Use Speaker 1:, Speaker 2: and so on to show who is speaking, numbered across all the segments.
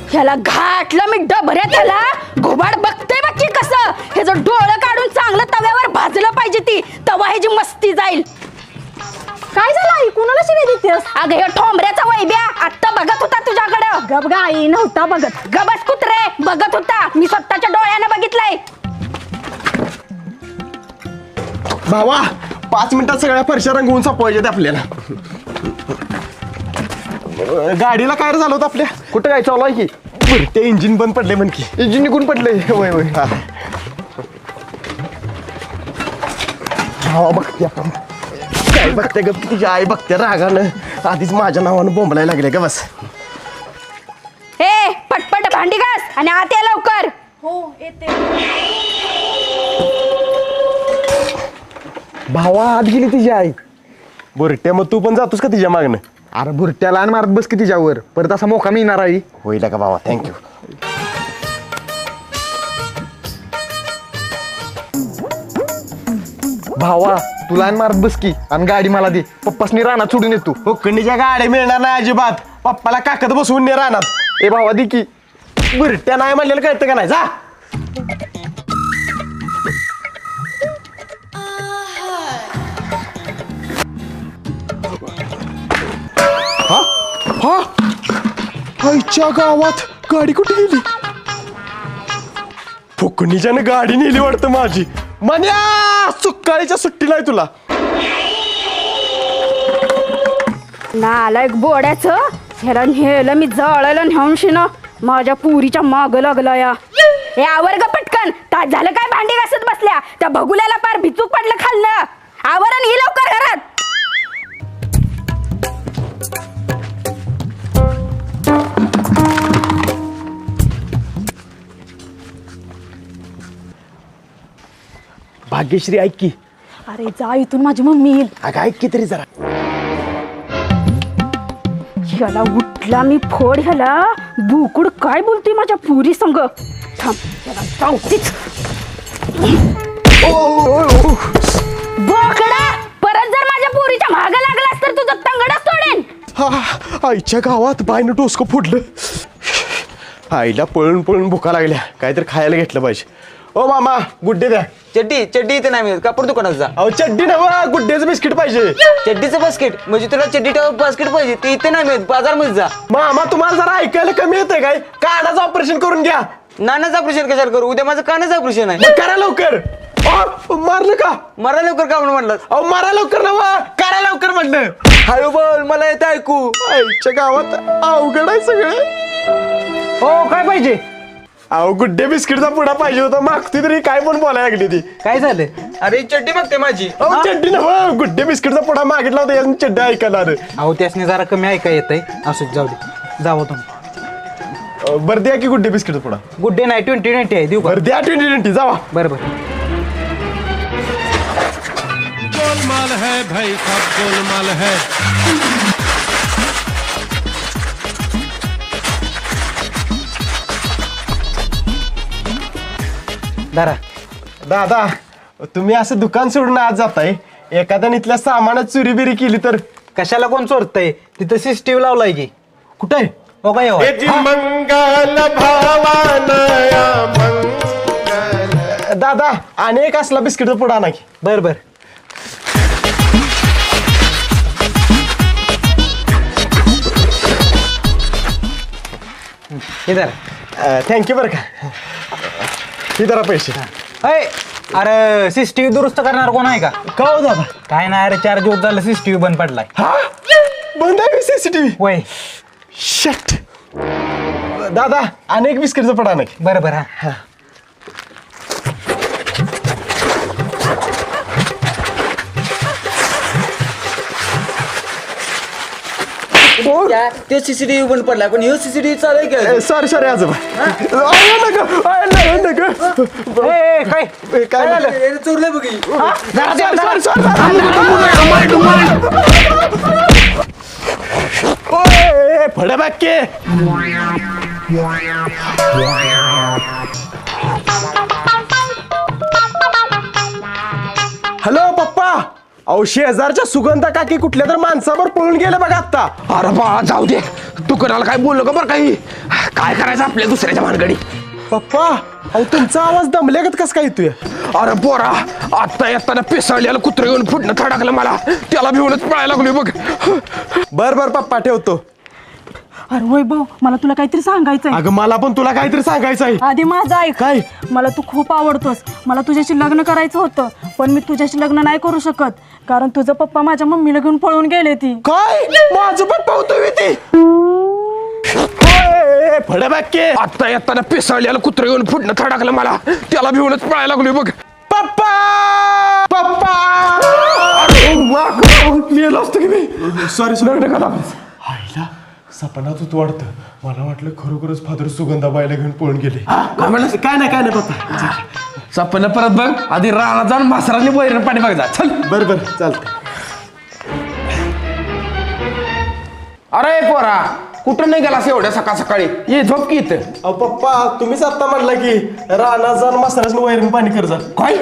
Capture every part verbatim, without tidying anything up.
Speaker 1: ह्याला घाटलं मी डबऱ्यात ह्याला घोबाड बघते बघ की कसं ह्याचं डोळं काढून चांगलं तव्यावर भाजलं पाहिजे ती तवा ह्याची मस्ती जाईल.
Speaker 2: काय झालं आई कुणाला शिवी देतेस?
Speaker 1: अगं हे ठोंबऱ्याचा वैब्या आत्ता बघत होता तुझ्याकडं.
Speaker 2: गप गा आई नव्हता बघत.
Speaker 1: गबस कुत्रे बघत होता मी स्वतःच्या डोळ्यानं बघितलंय.
Speaker 3: भावा पाच मिनिटात सगळ्या फरशा रंगवून सापवायच्यात आपल्याला. गाडीला काय रे झालं होतं आपल्या?
Speaker 4: कुठं काय चालू आहे की?
Speaker 3: बरं ते इंजिन बंद पडले म्हण की.
Speaker 4: इंजिन निघून पडले.
Speaker 3: होय होय हा. भावा बघते आपण काय बघते ग तुझी आई बघते रागानं आधीच माझ्या नावानं बोंबलायला लागले का बस.
Speaker 1: ए पटपट भांडी घास आणि आत ये लवकर.
Speaker 2: हो येते.
Speaker 3: भावा आत गेली तिची आई. बुरट्या मग तू पण जातोस का तिच्या मागणं?
Speaker 4: अरे भुरट्याला आणि मारत बस की तिच्यावर परत असा मोका मिळणार आहे.
Speaker 3: होईल का भावा थँक्यू.
Speaker 4: भावा तुला आणि मारत बस की आणि गाडी मला दे. पप्पासनी रानात सोडून येतो.
Speaker 3: हुकणीच्या गाड्या मिळणार नाही अजिबात. पप्पाला काकत बसवून ने राहणार.
Speaker 4: ए भावा दे की.
Speaker 3: बुरट्या नाही म्हणलेलं कळतं का नाही जा. हा हा आईच्या गावात गाडी कुठे गेली? फुकणीच्यानं गाडी नेली वाटतं माझी. मन्या सुक्काळीच्या सुट्टीला आहे तुला.
Speaker 1: नालायक बोड्याचं ह्याला नेलं मी जळायला नेऊन शिन माझ्या पुरीच्या माग लागला या. हे आवर ग पटकन तास झालं काय भांडी घासत बसल्या त्या भगुल्याला पार भिचूक पडलं खाल्लं. आवरण ही लवकर घरात.
Speaker 3: भाग्यश्री ऐक की.
Speaker 2: अरे जा इथून माझी मम्मी येईल.
Speaker 3: अगं ऐक की तरी जरा.
Speaker 1: ह्याला उठला मी फोड ह्याला बुकुड काय बोलते माझ्या पुरी संग. थांब ह्याला चावतीच. बोकडा परत जर माझ्या पुरीच्या माग लागलास तर तुझं तंगडच तोडेन.
Speaker 3: हा आईच्या गावात बायनं डोसकं फुटलं. आईला पळून पळून भुका लागल्या काहीतरी खायला घेतलं पाहिजे. ओ मामा गुड्डे द्या.
Speaker 5: चड्डी चड्डी इथे नाही मिळत कापड दुकानात जा.
Speaker 3: अहो चड्डी नव गुड्डेचं बिस्किट पाहिजे.
Speaker 5: चड्डीचं बास्केट म्हणजे तुला चड्डी टावर बास्केट पाहिजे ते इथे नाही मिळत बाजारमध्ये जा.
Speaker 3: मामा तुम्हाला जरा ऐकायला कमी येतंय काय? कानाचं ऑपरेशन करून घ्या.
Speaker 5: नानाचं ऑपरेशन कशाला करू उद्या माझं कानाचं ऑपरेशन आहे.
Speaker 3: मग करा लवकर. अहो, मारलं का?
Speaker 5: मरा लवकर का म्हणून म्हणलं.
Speaker 3: अहो मारा लवकर नव करा लवकर म्हटलं.
Speaker 5: हळू बोल मला येतं ऐकू.
Speaker 3: आईच्या गावात अवघड आहे सगळं.
Speaker 5: हो काय पाहिजे?
Speaker 3: अहो गुड्डे बिस्किटचा पुडा पाहिजे होता. मागती तरी काय पण बोलायला लागली ती.
Speaker 5: काय झालं? अरे चड्डी बघते माझी.
Speaker 3: अहो चड्डी नव गुड्डे बिस्किटचा पुडा मागितला होता यातून चड्डी ऐकायला आलं.
Speaker 5: अहो त्यासने जरा कमी ऐका येत आहे असू जाऊ दे जावं तुम्ही.
Speaker 3: अं, बरं द्या की गुड्डे बिस्किटचा पुडा.
Speaker 5: गुड डे नाही ट्वेंटी ट्वेंटी आहे देऊ का?
Speaker 3: बरं द्या ट्वेंटी ट्वेंटी जावा.
Speaker 5: बरं बरं.
Speaker 6: गोलमाल है भाई सब गोलमाल है.
Speaker 5: धरा.
Speaker 3: दादा तुम्ही असं दुकान सोडून आज जाताय एखाद्याने इथल्या सामानात चोरी बिरी केली तर?
Speaker 5: कशाला कोण चोरतय तिथं सीसीटीव्ही लावलाय की.
Speaker 3: कुठे आहे?
Speaker 5: हो काय हो
Speaker 3: मंगल भावानया मंगल. दादा अनेक असला बिस्किटचा पुडा आणा की.
Speaker 5: बर बर. हे धरा.
Speaker 3: थँक्यू बरं का. ही जरा पैसे.
Speaker 5: अय अरे सीसीटीव्ही दुरुस्त करणार कोण आहे का?
Speaker 3: का हो दादा?
Speaker 5: काय नाही अरे चार दिवस झालं सीसीटीव्ही बंद पडलाय.
Speaker 3: हा बंद आहे सीसीटीव्ही.
Speaker 5: वय
Speaker 3: शट. दादा अनेक बिस्किटचा पुडा आणा की.
Speaker 5: बरं बरं हा. ते सीसीटीव्ही बंद पडलाय पण हे सीसीटीव्ही चालू आहे.
Speaker 3: सॉरी सॉरी आजोबा. अय, नका, अय, नका, नका.
Speaker 5: ए, काय
Speaker 3: ए, काय झालं?
Speaker 5: चोरलंय बघी.
Speaker 3: Sorry sorry sorry. फड बाके. हॅलो पप्पा. अहो शेजारच्या सुगंधा काकी कुठल्या तर माणसावर पळून गेले बघा आता.
Speaker 4: अरे बा जाऊ दे. तू कोणाला काय बोललो का बरं काही
Speaker 7: काय करायचं आपल्या दुसऱ्याच्या भानगडी.
Speaker 3: पप्पा अहो तुमचा आवाज दमल्यागत कस काय येतोय?
Speaker 7: अरे पोरा, आता येताना पिसाळलेलं कुत्र येऊन फुटणं थडकलं मला, त्याला भिवूनच पळायला लागलोय बघ.
Speaker 3: बर बर पप्पा ठेवतो.
Speaker 2: अरे वैभव मला तुला काहीतरी सांगायचंय.
Speaker 3: अगं मला पण तुला काहीतरी सांगायचं आहे.
Speaker 2: आधी माझं ऐक.
Speaker 3: काय?
Speaker 2: मला तू खूप आवडतोस. मला तुझ्याशी लग्न करायचं होतं, पण मी तुझ्याशी लग्न नाही करू शकत, कारण तुझं पप्पा माझ्या मम्मीला घेऊन पळून गेले ती.
Speaker 3: काय माझं पप्पा होतो ते फडे बाकी.
Speaker 7: आता येताना पिसाळलेलं कुत्र येऊन फुटणं थडकलं मला, त्याला भिवूनच पळायला लागलोय बघ.
Speaker 3: पप्पा पप्पा
Speaker 7: मेलो असतो की मी.
Speaker 3: सॉरी
Speaker 7: लग्न करा.
Speaker 3: आईला सपनात होत वाटतं. मला वाटलं खरोखरच फादर सुगंधाबाईला घेऊन पळून गेले.
Speaker 7: काय म्हणलं?
Speaker 3: काय नाही काय नाही पप्पा.
Speaker 7: सपन परत बघ, आधी रानात जाऊन मासराने वैरण पाणी बघ जा. चल.
Speaker 3: बर बर चालतंय.
Speaker 7: अरे पोरा, कुठं नाही गेलास एवढ्या सकाळ सकाळी? ये झोप की इथं.
Speaker 3: अहो पप्पा तुम्हीच आता म्हणला की रानात जाऊन मसाल्याचं वैरण पाणी कर जा.
Speaker 7: काय?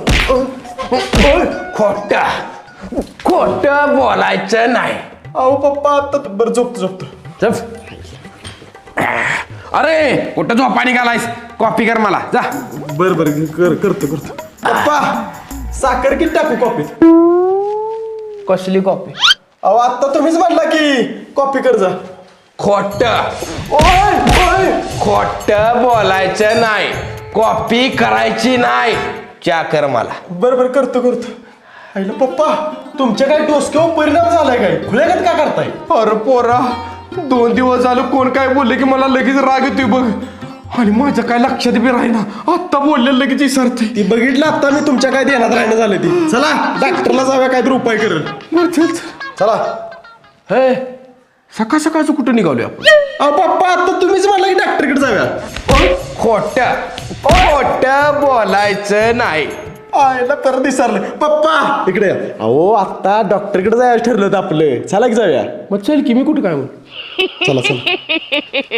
Speaker 7: खोट खोट बोलायचं नाही.
Speaker 3: अहो पप्पा आता बरं झोपतो झोपतो.
Speaker 7: चल. अरे कुठं झोपा निघालायस? कॉफी कर मला जा.
Speaker 3: बर बर कर करतो करतो. पप्पा साखर किती टाकू कॉफीत?
Speaker 7: कसली कॉफी?
Speaker 3: अहो आता तुम्हीच म्हणला की कॉफी कर जा.
Speaker 7: खोट खोट बोलायचं नाही. कॉफी करायची नाही. चा कर मला.
Speaker 3: बर बर करतो करतो. आईला पप्पा तुमच्या काय डोसक्यावर परिणाम झालाय काय? खुल्यागत का करताय?
Speaker 7: अरे पोरा, दोन दिवस झालं कोण काय बोलले की मला लगेच राग येतोय बघ, आणि माझं काय लक्षात बी राहीना. आत्ता बोलले लगेच विसरते.
Speaker 3: ती बघितलं आता मी तुमच्या काय ध्यानात राहणं झालं ती. चला डॉक्टरला जाऊया काहीतरी उपाय करेल.
Speaker 7: चल चल.
Speaker 3: चला.
Speaker 7: हे सकाळ सकाळचं कुठं निघालोय आपण?
Speaker 3: अहो पप्पा आता तुम्हीच म्हणला की डॉक्टरकडे जाऊया.
Speaker 7: खोट खोट बोलायचं नाही.
Speaker 3: आयला परत विसरलं. पप्पा इकडे या. अहो आता डॉक्टरकडे जायचं ठरलं होतं आपलं. चला की जाऊया.
Speaker 7: मग चल की, मी कुठं काय म्हण.
Speaker 3: चला चला.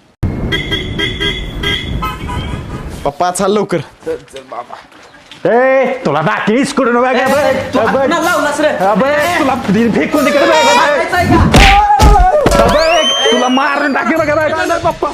Speaker 3: पप्पा चाल लवकर. ए तुला दाखवीस कुठून तुला फेकून
Speaker 7: तुला मारून टाके बघा पप्पा.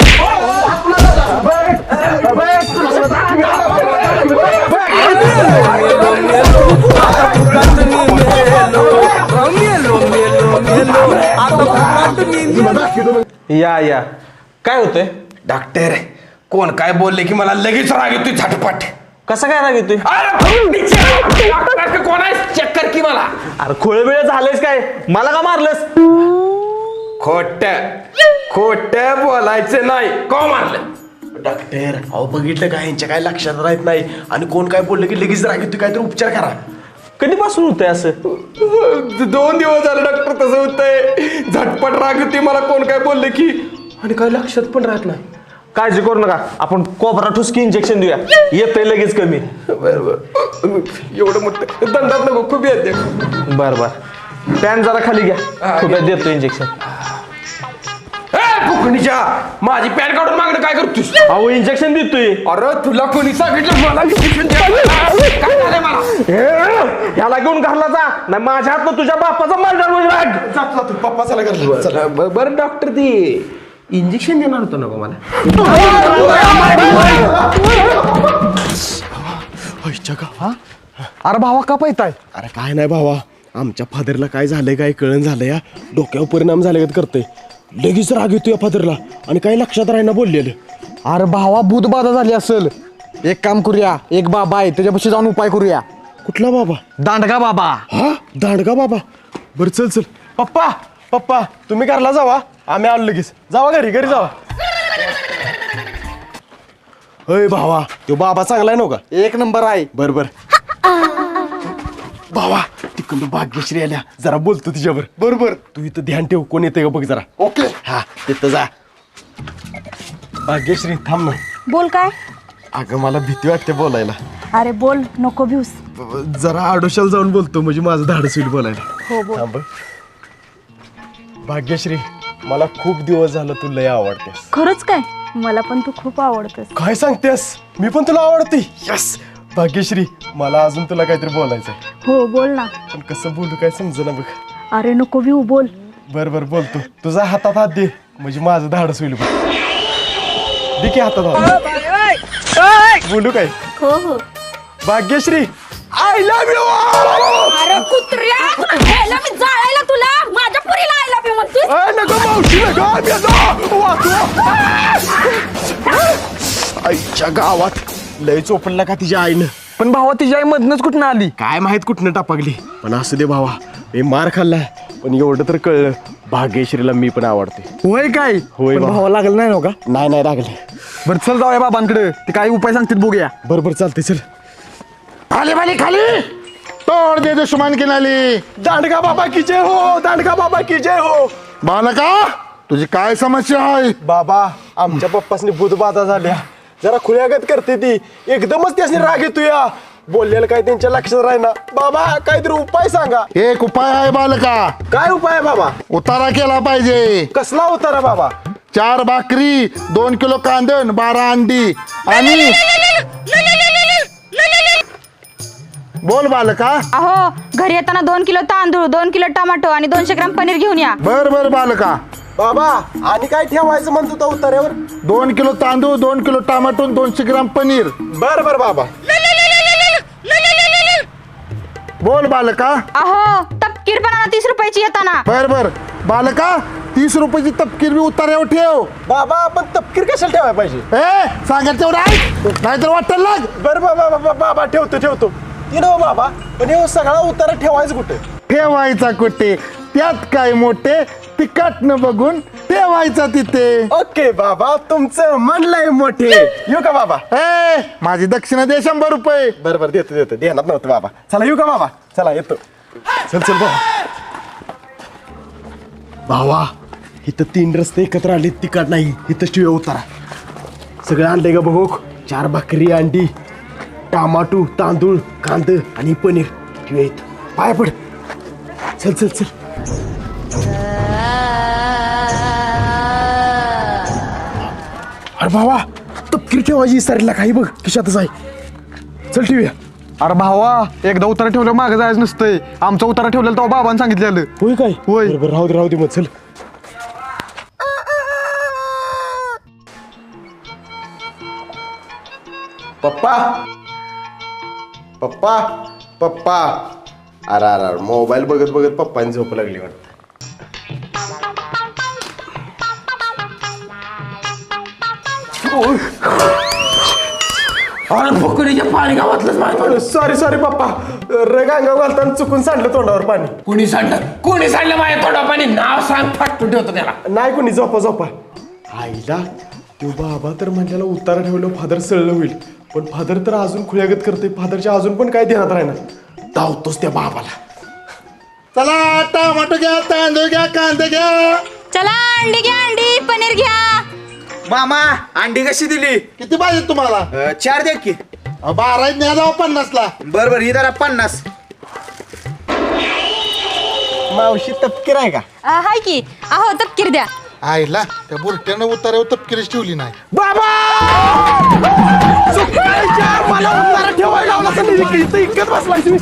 Speaker 7: या या काय होतंय? डॉक्टर कोण काय बोलले की मला लगेच राग येतोय झटपट.
Speaker 5: कसं काय राग येतोय?
Speaker 7: अरे कोण आहे? चेक कर की मला.
Speaker 5: अरे खोळ वेळ झालंयस काय? मला का मारलंस?
Speaker 7: खोट खोट बोलायचं नाही. को मारलं?
Speaker 3: डॉक्टर अहो बघितलं काय यांच्या काय लक्षात राहत नाही, आणि कोण काय बोललं की लगेच राग येतो. काहीतरी उपचार करा.
Speaker 5: कधीपासून होतंय असं?
Speaker 7: दोन दिवस झाले डॉक्टर तसं होतंय. झटपट राग येते मला कोण काय बोलले की, आणि काय लक्षात पण राहत नाही.
Speaker 5: काळजी करू नका, आपण कोबरा ठुसकी इंजेक्शन देऊया, येतंय लगेच कमी.
Speaker 7: बरोबर. एवढं मोठं दंडात नको, खूप येते.
Speaker 5: बर बर. पॅन जरा खाली घ्या, खूप देतो इंजेक्शन.
Speaker 7: फुकणीच्या माझी पॅन काढून मागणं काय करतोस?
Speaker 5: अहो इंजेक्शन देतोय.
Speaker 7: अरे तुला कोणी सांगितलं मला इंजेक्शन द्यायला? काय झालंय मला?
Speaker 5: ह्याला घेऊन घरला जा, नाही माझ्या हात तुझ्या बापाचा मारणार म्हणजे राग.
Speaker 3: जातो जातो पप्पा चला कर.
Speaker 7: चला बरं डॉक्टर, ती इंजेक्शन देणार होतं नको मला.
Speaker 3: अरे भावा का पाहताय? अरे काय नाही भावा, आमच्या फादरला काय झालंय काय कळण झालं या. डोक्यावर परिणाम झाले का करतंय. लगेच राग येतो या फादरला, आणि काही लक्षात राहीना बोललेलं.
Speaker 4: अरे भावा भूतबाधा झाली असेल. एक काम करूया, एक बाबा आहे त्याच्यापाशी जाऊन उपाय करूया.
Speaker 3: कुठला बाबा?
Speaker 4: दांडगा बाबा.
Speaker 3: हा दांडगा बाबा. बरं चल चल. पप्पा पप्पा तुम्ही घरला जावा, आम्ही आलो लगेच. जावा घरी घरी जावा. अय भावा तो बाबा चांगला आहे नव्हता?
Speaker 4: एक नंबर आहे.
Speaker 3: बर बर. भावा तिकडून भाग्यश्री आल्या, जरा बोलतो तिच्यावर. बरोबर. तू इथं ध्यान ठेव, कोण येते का बघ जरा.
Speaker 4: ओके.
Speaker 3: हा तिथं जा. भाग्यश्री थांब ना.
Speaker 2: बोल काय?
Speaker 3: अगं मला भीती वाटते बोलायला.
Speaker 2: अरे बोल, नको भिऊस.
Speaker 3: जरा आडोशाला जाऊन बोलतो, म्हणजे माझं धाडस होईल बोलायला.
Speaker 2: हो बोल.
Speaker 3: थांब. भाग्यश्री मला खूप दिवस झालं तू लय आवडतेस.
Speaker 2: खरंच काय? मला पण तू खूप आवडतेस.
Speaker 3: काय सांगतेस? मी पण तुला आवडते. यस भाग्यश्री मला अजून तुला काहीतरी बोलायचंय.
Speaker 2: हो बोल ना.
Speaker 3: पण कसं बोलू काय समजेना बघ.
Speaker 2: अरे नको भिऊ, बोल.
Speaker 3: बर बर बोलतो. तुझा हातात हात दे, म्हणजे माझं धाडस होईल बघ. दे की हातात बोलू काय
Speaker 1: हो हो
Speaker 3: भाग्यश्री आय लव्ह यू
Speaker 1: अरे कुत्र्या ह्याला मी जाळायला तुला माझ्या पुरीला आय लव्ह यू म्हणतोस
Speaker 3: नको मावशी नको आम्ही येतो. वाचवा. आईच्या गावात लय चोपडला का तिच्या आईनं
Speaker 4: पण भावा तिच्या आई मधनच कुठं आली
Speaker 3: काय माहित कुठनं टापगली पण असू दे भावा मी मार खाल्लाय पण एवढं तर कळलं भाग्यश्रीला मी पण आवडते
Speaker 4: होय काय
Speaker 3: होय
Speaker 4: पण
Speaker 3: बा.
Speaker 4: भावा लागलं नाही नव्हता
Speaker 3: नाही नाही लागले
Speaker 4: बरं चल जाऊया बाबांकडे ते काय उपाय सांगतील बघूया
Speaker 3: बरोबर चालते चल
Speaker 8: खाली बाली खाली तोड दे दुश्मन की नाली.
Speaker 3: दांडगा बाबा की जय हो दांडगा बाबा की जय हो
Speaker 8: बालका तुझी काय समस्या आहे?
Speaker 3: बाबा आमच्या पप्पासनी बुधबाधा झाल्या जरा खुल्यागत करते ती एकदमच त्यासनी राग येतो या बोललेलं काय त्यांच्या लक्षात राहीना बाबा काहीतरी उपाय सांगा
Speaker 8: एक उपाय आहे बालका.
Speaker 3: काय उपाय आहे बाबा
Speaker 8: उतारा केला पाहिजे.
Speaker 3: कसला उतारा बाबा
Speaker 8: चार भाकरी दोन किलो कांदण बारा अंडी आणि बोल बालका.
Speaker 1: अहो घरी येताना दोन किलो तांदूळ दोन किलो टमाटो आणि दोनशे ग्राम पनीर घेऊन या
Speaker 8: बर बर बालका.
Speaker 3: बाबा आणि काय ठेवायचं म्हणतो तो उतार्यावर
Speaker 8: दोन किलो तांदूळ दोन किलो टमाटो दोनशे ग्राम पनीर.
Speaker 3: बर बर बाबा
Speaker 8: बोल बालका.
Speaker 1: अहो तपकीर पण आणा तीस रुपयाची येताना
Speaker 8: बर बर बालका तीस रुपयाची तपकीर बी उतार्यावर ठेव.
Speaker 3: बाबा आपण तपकीर कशाला ठेवायला पाहिजे
Speaker 8: ए सांगायचं तेवढं ऐक नाहीतर वाटेल लाग.
Speaker 3: बर बाबा बाबा बाबा ठेवतो ठेवतो ती ना बाबा पण हे सगळा उतारा ठेवायचं कुठे
Speaker 8: ठेवायचा कुठे त्यात काय मोठे तिकट न बघून ठेवायचा तिथे.
Speaker 3: ओके बाबा तुमचं म्हणलंय मोठे येऊ का बाबा
Speaker 8: ए माझी दक्षिणा दे शंभर रुपये.
Speaker 3: बरं बरं देतो देतो देणार नव्हतं बाबा चला येऊ का बाबा चला येतो चल चल बाबा भावा इथं तीन रस्ते एकत्र आले तिकट नाही इथं शिव उतारा सगळं आणलंय का बघू चार भाकरी अंडी टमाटू तांदूळ कांद आणि पनीर ठेवूया इथं पाय पड चल चल चल अरे भावा तपकीर ठेवायची विसरला काही बघ खिशातच आहे चल ठेवूया
Speaker 4: अरे भावा एकदा उतारा ठेवलं मागं जायचं नसतंय आमचा उतारा ठेवलेला तेव्हा बाबांनी सांगितलेलं
Speaker 3: होय काय
Speaker 4: होय.
Speaker 3: बरोबर राहू दे राहू दे मग चल पप्पा पप्पा पप्पा अरे अरे अरे मोबाईल बघत बघत पप्पांनी झोप लागली वाटतं
Speaker 5: अरे फुकणीच्या पाणी गावातलंच माहिती
Speaker 3: सॉरी सॉरी पप्पा रगांगा घालताना चुकून सांडलं तोंडावर पाणी
Speaker 5: कोणी सांडलं कोणी सांडलं माझ्या तोंडा पाणी नाव सांग फाटून ठेवतो त्याला
Speaker 3: नाही कोणी झोपा झोपा आईला तो बाबा तर म्हटल्याला उतारा ठेवलं फादर सळलं होईल पण फादर तर अजून खुल्यागत करते फादरच्या अजून पण काय ध्यानात राहणार धावतोच त्या बाबाला
Speaker 8: चला टमाटो घ्या तांदूळ घ्या कांदे घ्या.
Speaker 1: चला अंडी घ्या अंडी पनीर घ्या
Speaker 5: मामा अंडी कशी दिली
Speaker 8: किती पाहिजे तुम्हाला?
Speaker 5: अं, चार द्या की
Speaker 8: अ, बारा न्या जाऊ पन्नासला.
Speaker 5: बर बर ही जरा पन्नास
Speaker 3: मावशी तपकीर आहे का
Speaker 1: हाय की अहो तपकीर द्या
Speaker 8: आईला त्या बुरट्यानं उतार्यावर तपकिरीच ठेवली नाही.
Speaker 3: मला उतारा ठेवायला लावला तर मी इथं इतकंच बसलाय तुम्ही.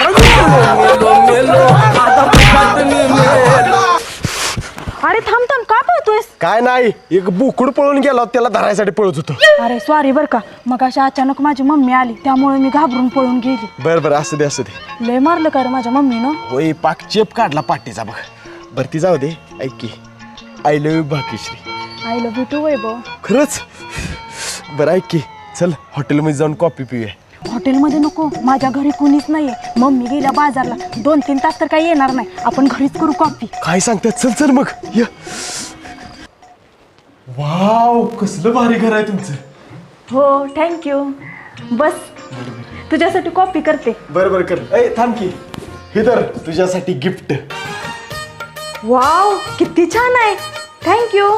Speaker 2: अरे थांब थांब का पळतोयस
Speaker 3: काय नाही एक बुकुड पळून गेला होता, त्याला धरायसाठी पळत होतो
Speaker 2: अरे सॉरी बर का मग अशी अचानक माझी मम्मी आली त्यामुळे मी घाबरून पळून गेली
Speaker 3: बर बर असू दे असू दे
Speaker 2: लय मारलं का रे माझ्या मम्मीनं
Speaker 3: होय पाक चेप काढला पाठीचा बघ भरती जाऊ दे ऐक की I love you Bhagyashree
Speaker 2: I love you too Vaibhav
Speaker 3: खरंच बरं ऐक की चल हॉटेलमध्ये जाऊन कॉफी पिऊया
Speaker 2: हॉटेलमध्ये नको माझ्या घरी कुणीच नाहीये मम्मी गेल्या बाजारला दोन तीन तास तर काही येणार नाही आपण घरीच करू कॉफी
Speaker 3: काय सांगतात चल चल मग ये वाव कसलं भारी घर आहे तुमचं
Speaker 2: हो थँक्यू बस तुझ्यासाठी कॉफी करते
Speaker 3: बरं बरं कर ए थांब की हे तर तुझ्यासाठी गिफ्ट
Speaker 2: वाव किती छान आहे थँक्यू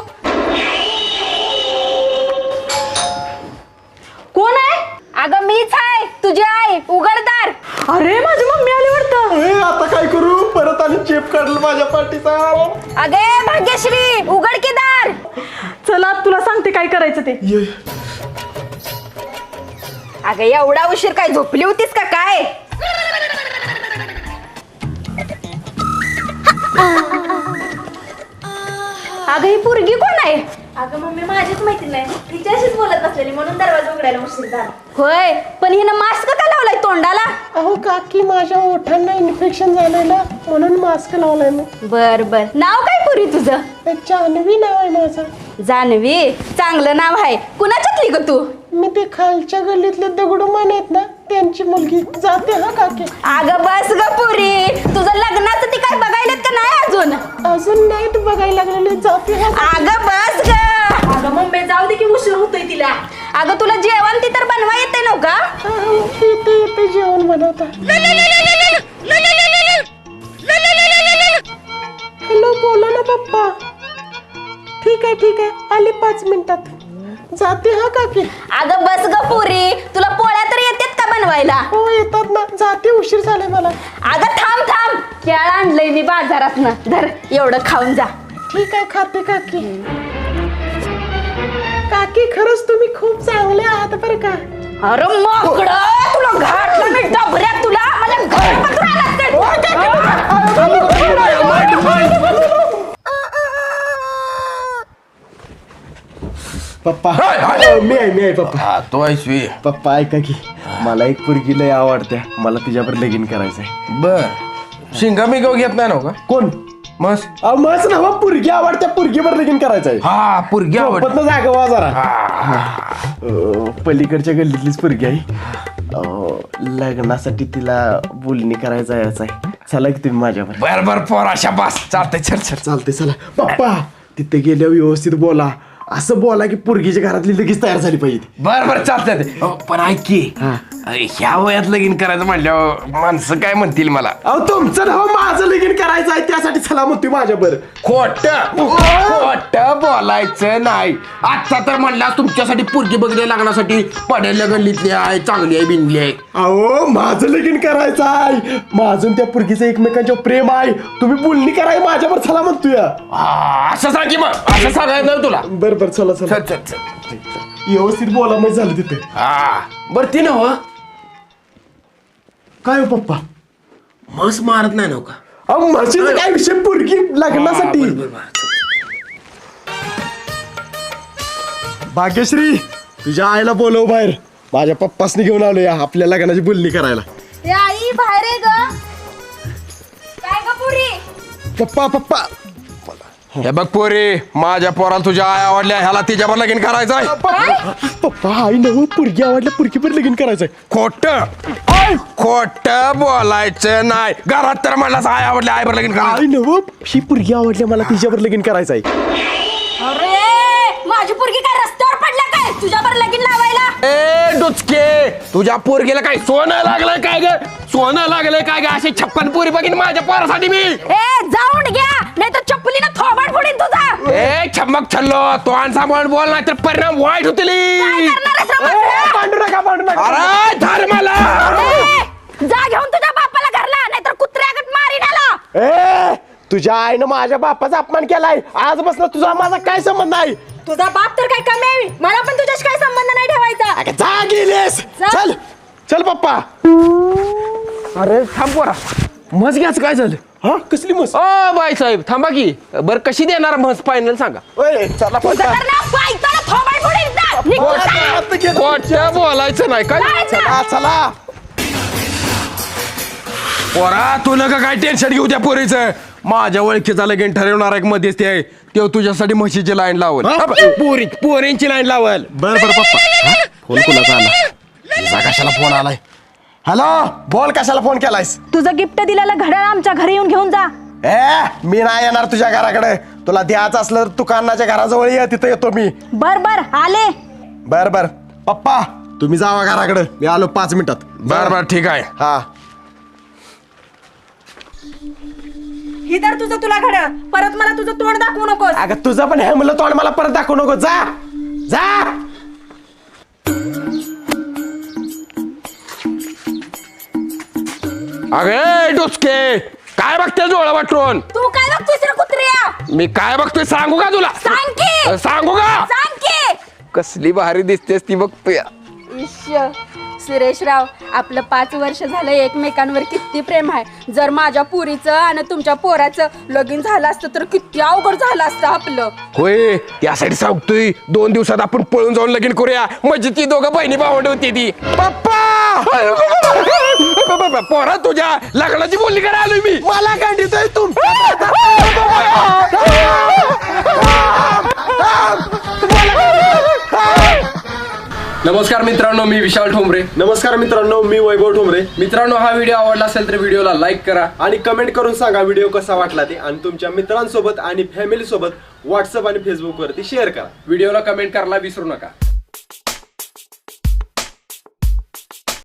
Speaker 2: कोण आहे
Speaker 1: अगं मीच आहे तुझी आई उघडदार
Speaker 2: अरे माझी मम्मी आली वाटतं
Speaker 3: ए आता काय करू परत आणि चेप काढलं माझ्या पाठीचा
Speaker 1: अगे भाग्यश्री उघड की दार
Speaker 2: चला तुला सांगते काय करायचं ते
Speaker 3: ये
Speaker 1: अगं एवढा उशीर काय झोपली होतीस का काय अगं ही पोरगी कोण आहे
Speaker 9: अगं मम्मी माझीच माहिती नाही तिच्याशीच बोलत असलेली म्हणून दरवाजा उघडायला उशीर झाला.
Speaker 1: होय पण हिनं मास्क का लावलाय तोंडाला?
Speaker 3: अहो काकी माझ्या ओठांना इन्फेक्शन झालेलं म्हणून मास्क लावलाय मी.
Speaker 1: बर बर. नाव काय पुरी तुझं?
Speaker 3: जान्हवी नाव आहे माझं.
Speaker 1: जानवी चांगलं नाव आहे. कुणाच्यातली ग तू?
Speaker 3: मी ते खालच्या गल्लीतले दगडूमान आहेत ना त्यांची मुलगी. जाते हा काकी.
Speaker 1: अगं बस ग पुरी, तुझं लग्नाचं ती काय बघायलेत का नाही अजून?
Speaker 3: अजून नाही तू बघायला लागलेले. जाते हा.
Speaker 1: अगं बस ग.
Speaker 9: अगं मम्मी जाऊ दे की उशीर होतोय तिला.
Speaker 1: अगं तुला जेवण ती तर बनवा येते नव का?
Speaker 3: येते येते जेवण बनवता. हॅलो बोला ना पप्पा. ठीक आहे ठीक आहे आले पाच मिनिटात. जाते हा काकी.
Speaker 1: अगं बस ग पुरी, तुला पोळ्या तर येतात का बनवायला?
Speaker 3: हो येतात ना. जाते उशीर झालाय मला.
Speaker 1: अगं थांब थांब, केळ आणलंय मी बाजारातनं. धर एवढं खाऊन जा.
Speaker 3: ठीक आहे खाते काकी. काकी खरंच तुम्ही खूप चांगले आहात बरं का.
Speaker 1: अरे मोकळं, तुला घातलं मी डबऱ्यात. तुला मला घर पत्र
Speaker 3: पप्पा मी आहे मी आहे पप्पा.
Speaker 5: तो ऐसवी
Speaker 3: पप्पा ऐका की मला एक पोरगी लय आवडत्या. मला तिच्यावर लगीन करायचंय.
Speaker 5: बर शिंगा मी गाव घेत नाही ना का?
Speaker 3: कोण?
Speaker 5: मस
Speaker 3: मस्त ना पुरगी आवडत्या. पुरगीवर लगीन करायचंय.
Speaker 5: हा पुरगी आवड
Speaker 3: पण जागा वा जरा. अं, पलीकडच्या गल्लीतलीच पुरगी आहे. अं, लग्नासाठी तिला बोलणी करायचं यायचं आहे. चला की तुम्ही माझ्यावर.
Speaker 5: बर बर पोराशा बस चालतंय. चल चल
Speaker 3: चालते चला. पप्पा तिथे गेल्यावर व्यवस्थित बोला. असं बोला की पोरगीच्या घरातली लगेच तयार झाली पाहिजे.
Speaker 5: बर बर चालतंय. पण ऐक की ह्या वयात लगीन करायचं म्हणल्यावर माणसं काय म्हणतील मला?
Speaker 3: अहो तुमचं नाव माझं लगीन करायचं आहे त्यासाठी चला म्हणतोय माझ्यावर.
Speaker 5: खोट खोट बोलायचं नाही. आता तर म्हणला तुमच्यासाठी पोरगी बघणे लागण्यासाठी पडेल गल्लीतली आहे, चांगली आहे, बिनली आहे.
Speaker 3: अहो माझं लगीन करायचं आहे. माझून त्या पोरगीचं एकमेकांच्या प्रेम आहे. तुम्ही बोलणी कराय माझ्यावर चला म्हणतोय.
Speaker 5: हा, असं सांग की मग. असं सांगायचं नाही तुला.
Speaker 3: बर बर चला चला.
Speaker 5: चल चल चल.
Speaker 3: व्यवस्थित बोला मग झालं तिथे.
Speaker 5: हा बर ती नव
Speaker 3: काय हो पप्पा
Speaker 5: मस मारत नाही नव का?
Speaker 3: अहो म्हशीचा काय विषय पोरगी लग्नासाठी. भाग्यश्री तुझ्या आईला बोलव बाहेर. माझ्या पप्पासनी घेऊन आलो या आपल्या लग्नाची बोलणी करायला.
Speaker 1: ए आई बाहेर आहे ग. काय ग पुरी?
Speaker 3: पप्पा पप्पा
Speaker 5: हे बघ पोरी, माझ्या पोराला तुझ्या आई आवडल्या, ह्याला तिच्यावर लगीन करायचं आहे.
Speaker 3: पप्पा आई नव पोरगी आवडल्या पोरगीवर लगीन करायचंय.
Speaker 5: खोट खोट बोलायचं नाही. घरात तर म्हणलास आई आवडल्या, आईवर लगीन करायचं.
Speaker 3: आई नव ही पोरगी आवडल्या मला तिच्यावर लगीन करायचंय.
Speaker 1: अरे माझी पोरगी काय रस्त्यावर पडल्या काय तुझ्यावर लगीन लावायला?
Speaker 5: ए डुचके, तुझ्या पोरगीला काय सोनं लागलंय काय ग? सोनं लागलंय काय ग? अशी छप्पन पोरी बघीन माझ्या पोरासाठी मी.
Speaker 1: ए जाऊन घ्या नाही तर चप्पलीनं थोबाड फोडीन तुझा.
Speaker 5: ए छमक छल्लो, तो सांभाळून बोल नाही तर परिणाम वाईट होतील.
Speaker 1: काय करणार आहेस रे बंड्या?
Speaker 3: भांडू नका भांडू नका.
Speaker 5: अरे धर्माला
Speaker 1: ए, जा घेऊन तुझ्या बापाला घरला नाहीतर कुत्र्यागत मारीन आला.
Speaker 3: ए तुझ्या आईनं माझ्या बापाचा अपमान केलाय. आजपासून तुझा माझा काय संबंध नाही.
Speaker 9: तुझा बाप तर काय कमी आहे. मला पण तुझ्याशी काय संबंध नाही ठेवायचा.
Speaker 3: अगं, जा गेलीस. चल चल पप्पा.
Speaker 5: अरे थांब पोरा, म्हस घ्याच काय झालं?
Speaker 3: हा कसली मस्त.
Speaker 5: ओ बाई साहेब थांबा की. बर कशी देणार म्हस फायनल सांगा.
Speaker 3: ओय चला
Speaker 1: तुझं
Speaker 3: पप्पा.
Speaker 1: तर ना बाईचाला थोबाड फोडीन जा. निघून जा.
Speaker 5: खोटं बोलायचं नाही काय.
Speaker 3: चला चला.
Speaker 5: पोरा तू नका काय टेन्शन घेऊ त्या पोरीचं. माझ्या ओळखीचा लगीन ठरवणार एक मध्यस्थी आहे. तो तुझ्यासाठी म्हशीची लाईन लावल. पोरी पोरींची लाईन लावल.
Speaker 3: बर बर पप्पा. फोन कुणाचा आला?
Speaker 5: तुझा कशाला फोन आलाय?
Speaker 3: हॅलो बोल कशाला फोन केलायस?
Speaker 2: तुझं गिफ्ट दिलेलं घड्याळ आमच्या घरी येऊन घेऊन जा.
Speaker 3: ए मी नाही येणार तुझ्या घराकडे. तुला द्यायचं असलं तर दुकानाच्या घराजवळ ये, तिथे येतो मी.
Speaker 2: बर बर आले.
Speaker 3: बर बर पप्पा तुम्ही जावा घराकडे. मी आलो पाच मिनिटात.
Speaker 5: बर बर ठीक आहे.
Speaker 3: हा
Speaker 9: ही तर तुझं तुला घड्याळ. परत मला तुझं तोंड दाखवू नकोस.
Speaker 3: अगं तुझं पण हे मुलं तोंड मला परत दाखवू नको. जा जा.
Speaker 5: अगे डुचके, काय बघते डोळा वाटून?
Speaker 1: तू काय बघतोस रे कुत्र्या?
Speaker 5: मी काय बघतोय सांगू का तुला?
Speaker 1: सांग की.
Speaker 5: सांगू का?
Speaker 1: सांग की.
Speaker 5: कसली भारी दिसतेस ती बघतोय.
Speaker 1: इश्श सुरेशराव, आपलं पाच वर्ष झालं एकमेकांवर किती प्रेम आहे. जर माझ्या पुरीचं आणि तुमच्या पोराचं लगीन झालं असतं तर किती अवघड झालं असतं आपलं.
Speaker 5: होय त्यासाठी सांगतोय दोन दिवसात आपण पळून जाऊन लगीन करूया. म्हणजे ती दोघं बहिणी भावंड होती ती. पप्पा पोरा तुझ्या लग्नाची बोलली करा आलोय मी. मला गांडीतोय तू.
Speaker 7: नमस्कार मित्रांनो, मी विशाल ठोंबरे.
Speaker 3: नमस्कार मित्रांनो, मी वैभव ठोंबरे.
Speaker 7: मित्रांनो, हा व्हिडिओ आवडला असेल तर व्हिडिओला लाईक करा
Speaker 3: आणि कमेंट करून सांगा व्हिडिओ कसा वाटला ते, आणि तुमच्या मित्रांसोबत आणि फॅमिली सोबत व्हॉट्सअप आणि फेसबुक वरती शेअर करा.
Speaker 7: व्हिडिओला कमेंट करायला विसरू नका.